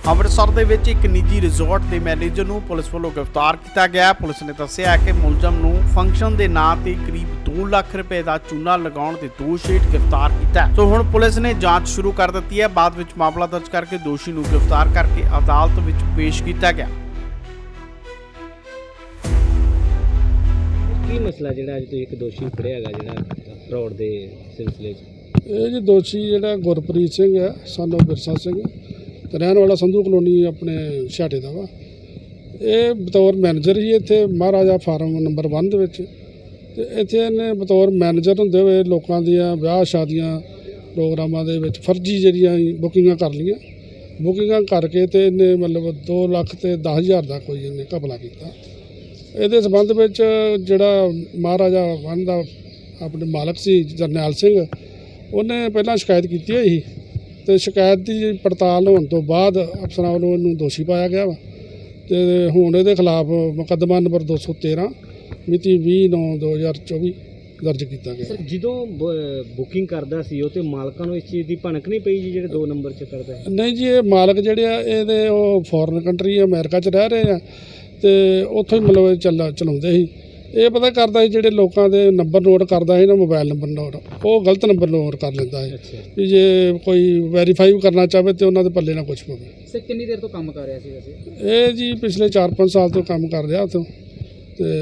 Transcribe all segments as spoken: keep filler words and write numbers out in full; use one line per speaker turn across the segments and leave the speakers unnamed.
ਅੰਮ੍ਰਿਤਸਰ ਦੇ ਵਿੱਚ ਇੱਕ ਨਿੱਜੀ ਰਿਜ਼ੋਰਟ ਦੇ ਮੈਨੇਜਰ ਨੂੰ ਪੁਲਿਸ ਵੱਲੋਂ ਗ੍ਰਿਫਤਾਰ ਕੀਤਾ ਗਿਆ। ਪੁਲਿਸ ਨੇ ਦੱਸਿਆ ਕਿ ਮੁਲਜ਼ਮ ਨੂੰ ਫੰਕਸ਼ਨ ਦੇ ਨਾਂ ਤੇ ਕਰੀਬ ਦੋ ਲੱਖ ਰੁਪਏ ਦਾ ਚੂਨਾ ਲਗਾਉਣ ਦੇ ਦੋਸ਼ ਹੇਠ ਗ੍ਰਿਫਤਾਰ ਕੀਤਾ। ਸੋ ਹੁਣ ਪੁਲਿਸ ਨੇ ਜਾਂਚ ਸ਼ੁਰੂ ਕਰ ਦਿੱਤੀ ਹੈ। ਬਾਅਦ ਵਿੱਚ ਮਾਮਲਾ ਦਰਜ ਕਰਕੇ ਦੋਸ਼ੀ ਨੂੰ ਗ੍ਰਿਫਤਾਰ ਕਰਕੇ ਅਦਾਲਤ ਵਿੱਚ ਪੇਸ਼ ਕੀਤਾ ਗਿਆ।
ਕੀ ਮਸਲਾ ਜਿਹੜਾ ਅੱਜ ਤੁਸੀਂ ਇੱਕ ਦੋਸ਼ੀ ਫੜਿਆ ਹੈਗਾ ਜਿਹੜਾ ਫਰੋਡ ਦੇ ਸਿਲਸਿਲੇ 'ਚ?
ਇਹ ਜੀ ਦੋਸ਼ੀ ਜਿਹੜਾ ਗੁਰਪ੍ਰੀਤ ਸਿੰਘ ਹੈ ਸਨ ਆਫ ਬਿਰਸਾ ਸਿੰਘ ਤੇ ਰਹਿਣ ਵਾਲਾ ਸੰਧੂ ਕਲੋਨੀ ਆਪਣੇ ਛਾਟੇ ਦਾ ਵਾ। ਇਹ ਬਤੌਰ ਮੈਨੇਜਰ ਹੀ ਇੱਥੇ ਮਹਾਰਾਜਾ ਫਾਰਮ ਨੰਬਰ ਇੱਕ ਦੇ ਵਿੱਚ, ਤੇ ਇੱਥੇ ਇਹਨੇ ਬਤੌਰ ਮੈਨੇਜਰ ਹੁੰਦੇ ਹੋਏ ਲੋਕਾਂ ਦੀਆਂ ਵਿਆਹ ਸ਼ਾਦੀਆਂ ਪ੍ਰੋਗਰਾਮਾਂ ਦੇ ਵਿੱਚ ਫਰਜ਼ੀ ਜਿਹੜੀਆਂ ਬੁਕਿੰਗਾਂ ਕਰ ਲਈਆਂ। ਬੁਕਿੰਗਾਂ ਕਰਕੇ ਤੇ ਇਹਨੇ ਮਤਲਬ ਦੋ ਲੱਖ ਤੇ ਦਸ ਹਜ਼ਾਰ ਦਾ ਕੋਈ ਇਹਨੇ ਘਪਲਾ ਕੀਤਾ। ਇਹਦੇ ਸੰਬੰਧ ਵਿੱਚ ਜਿਹੜਾ ਮਹਾਰਾਜਾ ਵਨ ਦਾ ਆਪਣੇ ਮਾਲਕ ਸੀ ਜਰਨੈਲ ਸਿੰਘ, ਉਹਨੇ ਪਹਿਲਾਂ ਸ਼ਿਕਾਇਤ ਕੀਤੀ ਹੋਈ ਸੀ ਤੇ ਸ਼ਿਕਾਇਤ ਦੀ ਪੜਤਾਲ ਹੋਣ ਤੋਂ ਬਾਅਦ ਅਫਸਰਾਂ ਵੱਲੋਂ ਇਹਨੂੰ ਦੋਸ਼ੀ ਪਾਇਆ ਗਿਆ ਵਾ। ਤੇ ਹੁਣ ਇਹਦੇ ਖਿਲਾਫ ਮੁਕੱਦਮਾ ਨੰਬਰ ਦੋ ਸੌ ਤੇਰਾਂ ਮਿਤੀ ਵੀਹ ਨੌਂ ਦੋ ਹਜ਼ਾਰ ਚੌਵੀ ਦਰਜ ਕੀਤਾ ਗਿਆ।
ਸਰ, ਜਦੋਂ ਬੁਕਿੰਗ ਕਰਦਾ ਸੀ ਉਹ ਤੇ ਮਾਲਕਾਂ ਨੂੰ ਇਸ ਚੀਜ਼ ਦੀ ਭਣਕ ਨਹੀਂ ਪਈ ਜੀ ਜਿਹੜੇ ਦੋ ਨੰਬਰ 'ਚ ਕਰਦਾ ਹੈ?
ਨਹੀਂ ਜੀ, ਇਹ ਮਾਲਕ ਜਿਹੜੇ ਆ ਇਹਦੇ ਉਹ ਫੋਰਨ ਕੰਟਰੀ ਅਮਰੀਕਾ 'ਚ ਰਹਿ ਰਹੇ ਆ ਤੇ ਉੱਥੋਂ ਹੀ ਮਤਲਬ ਚੱਲ ਚਲਾਉਂਦੇ ਸੀ। ਇਹ ਪਤਾ ਕਰਦਾ ਸੀ ਜਿਹੜੇ ਲੋਕਾਂ ਦੇ ਨੰਬਰ ਨੋਟ ਕਰਦਾ ਸੀ ਨਾ, ਮੋਬਾਈਲ ਨੰਬਰ ਨੋਟ, ਉਹ ਗਲਤ ਨੰਬਰ ਨੋਟ ਕਰ ਲੈਂਦਾ ਹੈ ਵੀ ਜੇ ਕੋਈ ਵੈਰੀਫਾਈ ਕਰਨਾ ਚਾਹਵੇ ਤੇ ਉਹਨਾਂ ਦੇ ਪੱਲੇ ਨਾ ਕੁਛ ਪਵੇ।
ਸਰ, ਕਿੰਨੀ ਦੇਰ ਤੋਂ ਕੰਮ ਕਰ ਰਿਹਾ ਸੀ ਵੈਸੇ?
ਇਹ ਜੀ ਪਿਛਲੇ ਚਾਰ ਪੰਜ ਸਾਲ ਤੋਂ ਕੰਮ ਕਰ ਰਿਹਾ ਉੱਥੋਂ, ਤੇ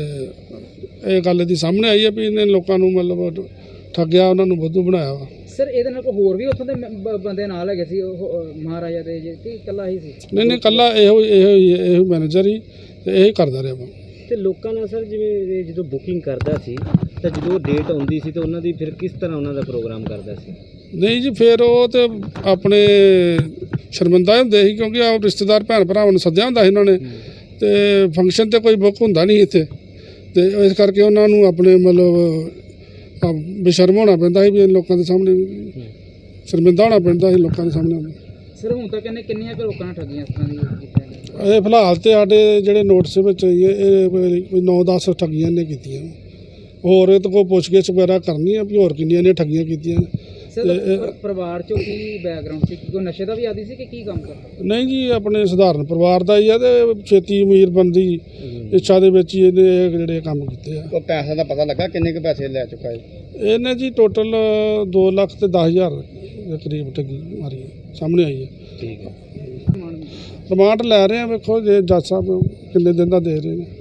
ਇਹ ਗੱਲ ਦੀ ਸਾਹਮਣੇ ਆਈ ਹੈ ਵੀ ਇਹਨੇ ਲੋਕਾਂ ਨੂੰ ਮਤਲਬ ਠੱਗਿਆ, ਉਹਨਾਂ ਨੂੰ ਬੁੱਧੂ ਬਣਾਇਆ ਵਾ।
ਸਰ, ਇਹਦੇ ਨਾਲ ਕੋਈ ਹੋਰ ਵੀ ਉੱਥੋਂ ਦੇ ਬੰਦੇ ਨਾਲ ਹੈਗੇ ਸੀ ਉਹ ਮਹਾਰਾਜਾ ਦੇ ਜੀ ਕਿ ਇਕੱਲਾ ਹੀ ਸੀ?
ਨਹੀਂ ਨਹੀਂ, ਇਕੱਲਾ ਇਹੋ ਇਹੋ ਇਹੋ ਮੈਨੇਜਰ ਹੀ ਤੇ ਇਹੀ ਕਰਦਾ ਰਿਹਾ ਵਾ।
ਤੇ ਲੋਕਾਂ ਨਾਲ ਸਰ ਜਿਵੇਂ ਜਦੋਂ ਬੁਕਿੰਗ ਕਰਦਾ ਸੀ ਤਾਂ ਜਦੋਂ ਡੇਟ ਆਉਂਦੀ ਸੀ ਤਾਂ ਉਹਨਾਂ ਦੀ ਫਿਰ ਕਿਸ ਤਰ੍ਹਾਂ ਉਹਨਾਂ ਦਾ ਪ੍ਰੋਗਰਾਮ ਕਰਦਾ ਸੀ?
ਨਹੀਂ ਜੀ, ਫਿਰ ਉਹ ਤੇ ਆਪਣੇ ਸ਼ਰਮਿੰਦਾ ਹੁੰਦੇ ਸੀ ਕਿਉਂਕਿ ਆਪ ਰਿਸ਼ਤੇਦਾਰ ਭੈਣ ਭਰਾਵਾਂ ਨੂੰ ਸੱਦਿਆ ਹੁੰਦਾ ਸੀ ਇਹਨਾਂ ਨੇ, ਤੇ ਫੰਕਸ਼ਨ ਤੇ ਕੋਈ ਬੁੱਕ ਹੁੰਦਾ ਨਹੀਂ ਇੱਥੇ, ਤੇ ਇਸ ਕਰਕੇ ਉਹਨਾਂ ਨੂੰ ਆਪਣੇ ਮਤਲਬ ਬੇਸ਼ਰਮ ਹੋਣਾ ਪੈਂਦਾ ਸੀ ਵੀ ਲੋਕਾਂ ਦੇ ਸਾਹਮਣੇ, ਸ਼ਰਮਿੰਦਾ ਹੋਣਾ ਪੈਂਦਾ ਸੀ ਲੋਕਾਂ ਦੇ ਸਾਹਮਣੇ।
ਸਰ, ਹੁਣ ਤੱਕ ਇਹਨੇ ਕਿੰਨੀਆਂ ਕੁ ਲੋਕਾਂ ਨਾਲ ਠੱਗੀਆਂ ਇਸ ਤਰ੍ਹਾਂ ਦੀ?
ਇਹ ਫਿਲਹਾਲ ਤੇ ਸਾਡੇ ਜਿਹੜੇ ਨੋਟਿਸ ਵਿੱਚ ਇਹ ਕੋਈ ਨੌ ਦਸ ਠੱਗੀਆਂ ਨੇ ਕੀਤੀਆਂ। ਹੋਰ ਇਹ ਤਾਂ ਕੋਈ ਪੁੱਛਗਿੱਛ ਵਗੈਰਾ ਕਰਨੀ ਆ ਵੀ ਹੋਰ ਕਿੰਨੀਆਂ ਨੇ ਠੱਗੀਆਂ ਕੀਤੀਆਂ।
ਸਰ, ਪਰਿਵਾਰ ਚੋਂ ਕੀ ਬੈਕਗ੍ਰਾਉਂਡ ਸੀ? ਕੋਈ ਨਸ਼ੇ ਦਾ ਵੀ ਆਦੀ ਸੀ ਕਿ ਕੀ ਕੰਮ ਕਰਦਾ?
ਨਹੀਂ ਜੀ, ਆਪਣੇ ਸਧਾਰਨ ਪਰਿਵਾਰ ਦਾ ਹੀ ਆ ਤੇ ਛੇਤੀ ਅਮੀਰ ਬਣਦੀ ਇੱਛਾ ਦੇ ਵਿੱਚ ਹੀ ਇਹਨੇ ਜਿਹੜੇ ਕੰਮ ਕੀਤੇ ਆ।
ਉਹ ਪੈਸੇ ਦਾ ਪਤਾ ਲੱਗਾ ਕਿੰਨੇ ਕੁ ਪੈਸੇ ਲੈ ਚੁੱਕਾ ਹੈ?
ਇਹਨੇ ਜੀ ਟੋਟਲ ਦੋ ਲੱਖ ਤੇ ਦਸ ਹਜ਼ਾਰ ਦੇ ਕਰੀਬ ਠੱਗੀ ਮਾਰੀ ਸਾਹਮਣੇ ਆਈ ਹੈ।
ਠੀਕ ਹੈ।
ਰਿਮਾਂਡ ਲੈ ਰਹੇ ਆ, ਵੇਖੋ ਜੇ ਜੱਜ ਸਾਹਿਬ ਕਿੰਨੇ ਦਿਨ ਦਾ ਦੇ ਰਹੇ ਨੇ।